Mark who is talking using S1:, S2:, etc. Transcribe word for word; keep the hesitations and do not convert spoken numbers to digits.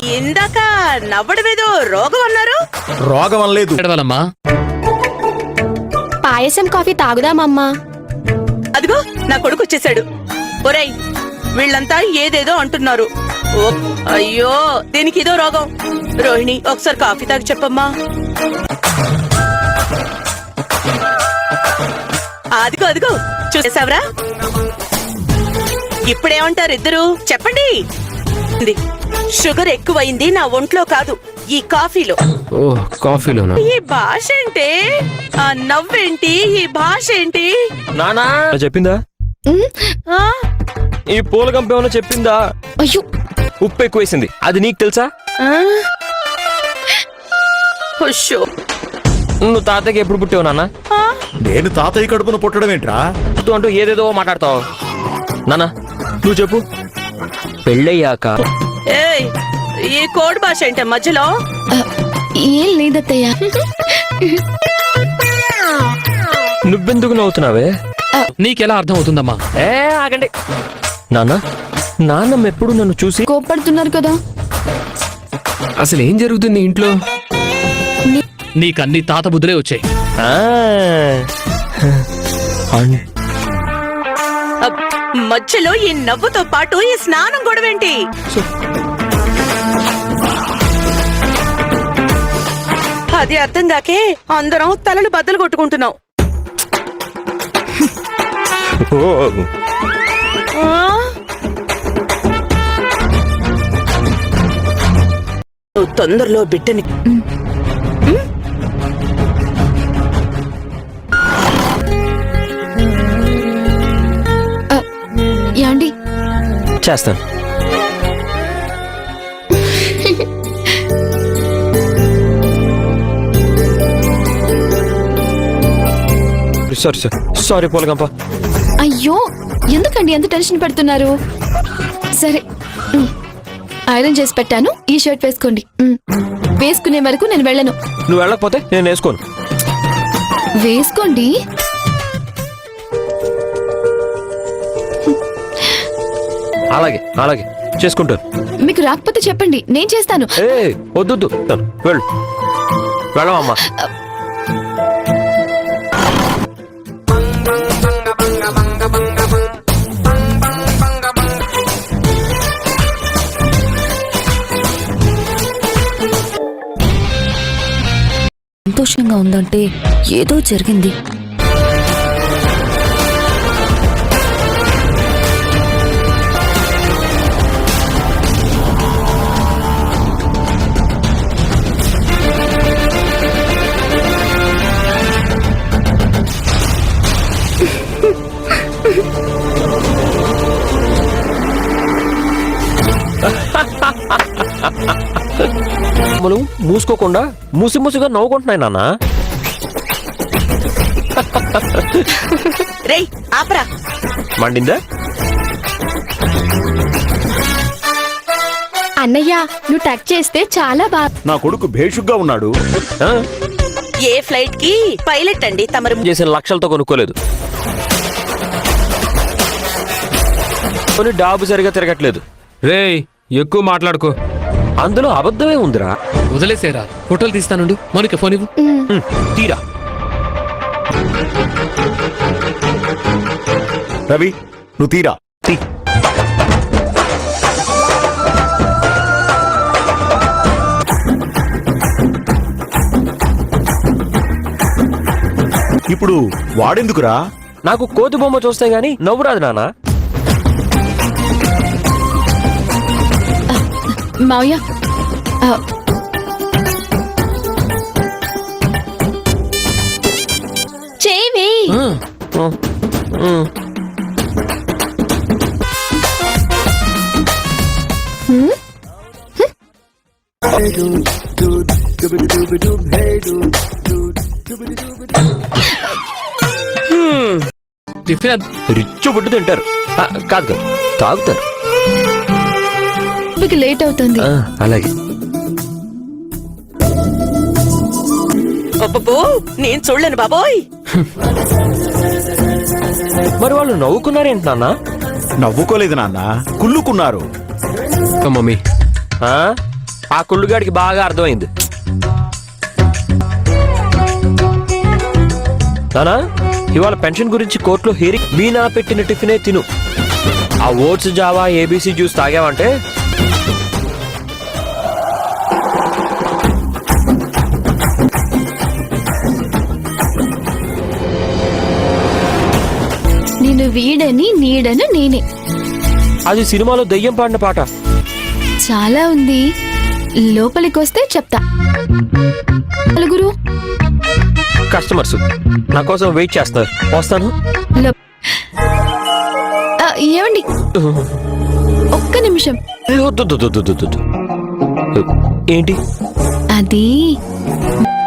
S1: ఇందాక నవ్వడమేదో రోగం అన్నారు.
S2: రోగం అనలేదు.
S3: ఎడవాలమ్మా,
S4: పాయసం కాఫీ తాగుదామమ్మా.
S1: అదిగో నా కొడుకు వచ్చేసాడు. ఒరేయ్, వీళ్ళంతా ఏదేదో అంటున్నారు. ఓ, అయ్యో దీనికి ఇదో రోగం. రోహిణి, ఒకసారి కాఫీ తాగి చెప్పమ్మా. అదిగో అదిగో చూసేసావరా? ఇప్పుడేమంటారు ఇద్దరు? చెప్పండి. షుగర్ ఎక్కువైంది నా ఒంట్లో కాదు, ఈ కాఫీలో.
S3: ఓ కాఫీలోనా?
S1: ఈ భాష ఏంటి? ఆ నవ్వేంటి? ఈ భాష ఏంటి?
S5: నానా చెప్పిందా?
S1: ఆ?
S5: ఈ పూల కంప ఏమన్నా చెప్పిందా?
S4: అయ్యో,
S5: ఉప్పు ఎక్కువేసింది, అది నీకు తెలుసా?
S1: ఆ? హుషో.
S5: నువ్వు తాతయ్యకి ఎప్పుడు పుట్టావు నాన్న?
S1: ఆ?
S2: నేను తాతయ్య కడుపున పుట్టడం ఏంట్రా?
S5: పుట్టు అంటూ ఏదేదో మాట్లాడతావు. నానా నువ్వు చెప్పు. పెళ్ళయ్యాక
S1: ఏయ్, ఈ కోడ్ భాష ఏంటి మధ్యలో?
S4: ఆ, ఏం లేదత్తయ్య.
S5: నువ్వెందుకు నవ్వుతున్నావే?
S3: నీకెలా అర్థం అవుతుందమ్మా?
S5: ఏ ఆగండి నాన్న. నాన్నమ్మ ఎప్పుడు నన్ను చూసి
S4: కోప్పడుతున్నారు కదా.
S3: అసలు ఏం జరుగుతుంది ఇంట్లో? నీకన్ని తాత బుద్ధులే వచ్చాయి.
S5: ఆ, అన్-
S1: అబ్, మధ్యలో ఈ నవ్వుతో పాటు ఈ స్నానం గొడవేంటి? అది అర్థం కాకే అందరం తలలు బద్దలు కొట్టుకుంటున్నాం.
S5: ఓ,
S1: ఆ? నువ్వు తొందరలో బిడ్డని
S4: ఆ, యాండి
S5: చేస్తాను. సారీ సార్ సారీ పూలగంప.
S4: అయ్యో, ఎందుకండి ఎంత టెన్షన్ పెడుతున్నారు? సరే, ఉమ్, ఐరన్ చేసి పెట్టాను. ఈ షర్ట్ వేసుకోండి. ఉమ్, వేసుకునే వరకు నేను వెళ్ళను.
S5: నువ్వు వెళ్ళకపోతే నేను వేసుకోను.
S4: వేసుకోండి.
S5: అలాగే అలాగే చేసుకుంటాను.
S4: మీకు రాకపోతే చెప్పండి, నేను చేస్తాను.
S5: ఏ వద్దు, వెళ్ళు వెళ్ళమమ్మా.
S6: సంతోషంగా ఉందంటే ఏదో జరిగింది.
S5: మనం మూసుకోకుండా మూసి మూసిగా నవ్వుకుంటున్నాయి నాన్న.
S1: రేయ్ ఆపరా.
S5: మండిందా?
S4: అన్నయ్య, నువ్వు టచ్ చేస్తే చాలా బాగా.
S2: నా కొడుకు భేషుగ్గా ఉన్నాడు.
S5: ఆ?
S1: ఏ ఫ్లైట్ కి పైలట్ అండి తమరు?
S5: చేసిన లక్షలతో కొనుక్కోలేదు. కొన్ని డాబు సరిగా తిరగట్లేదు.
S3: రేయ్, ఎక్కువ మాట్లాడుకో.
S5: అందులో అబద్ధమే ఉందిరా.
S3: వదిలేసేరా, ఫోటోలు తీస్తానుండు. మౌనిక ఫోన్ ఇవ్వు.
S5: హ్మ్, తీరా.
S2: రవి, నువ్వు తీరా.
S5: తీ.
S2: ఇప్పుడు వాడెందుకురా?
S5: నాకు కోతి బొమ్మ చూస్తే గానీ నవ్వు రాదు నాన్న.
S4: మావయ్య, ఆ, చేయి వేయి.
S3: ఆ,
S5: హ్మ్, హ్మ్.
S4: హ్మ్?
S3: టిఫిన్ అద్-
S5: రిచ్చు బుడ్డు తింటారు. ఆ, కాదు కాదు తాగుతారు.
S4: మీకు లేట్ అవుతుంది.
S5: ఆ, అలాగే.
S1: అబ్బబ్బో, నేను చూడలేను బాబోయ్.
S5: మరి వాళ్ళు నవ్వుకున్నారేంటి నాన్న?
S2: నవ్వుకోలేదు నాన్న, కుళ్ళుకున్నారు.
S3: మమ్మీ,
S5: ఆ? ఆ కుళ్ళుగాడికి బాగా అర్థమైంది. నానా ఇవాళ పెన్షన్ గురించి కోర్టులో హీరింగ్ మీనా పెట్టిన టిఫినే తిను. ఆ ఓట్స్ జావా ఏబీసీ జ్యూస్ తాగావంటే
S4: నేను వీడని నీడను నేనే.
S5: అది సినిమాలో దెయ్యం పాడిన పాట.
S4: చాలా ఉంది, లోపలికి వస్తే చెప్తా. నలుగురు
S5: కస్టమర్స్ నా కోసం వెయిట్ చేస్తున్నారు, వస్తాను.
S4: లో- ఆ, ఏమండి ఒక్క నిమిషం.
S5: ఏ, వద్దు, వద్దు, వద్దు, వద్దు, వద్దు. ఏంటి
S4: అది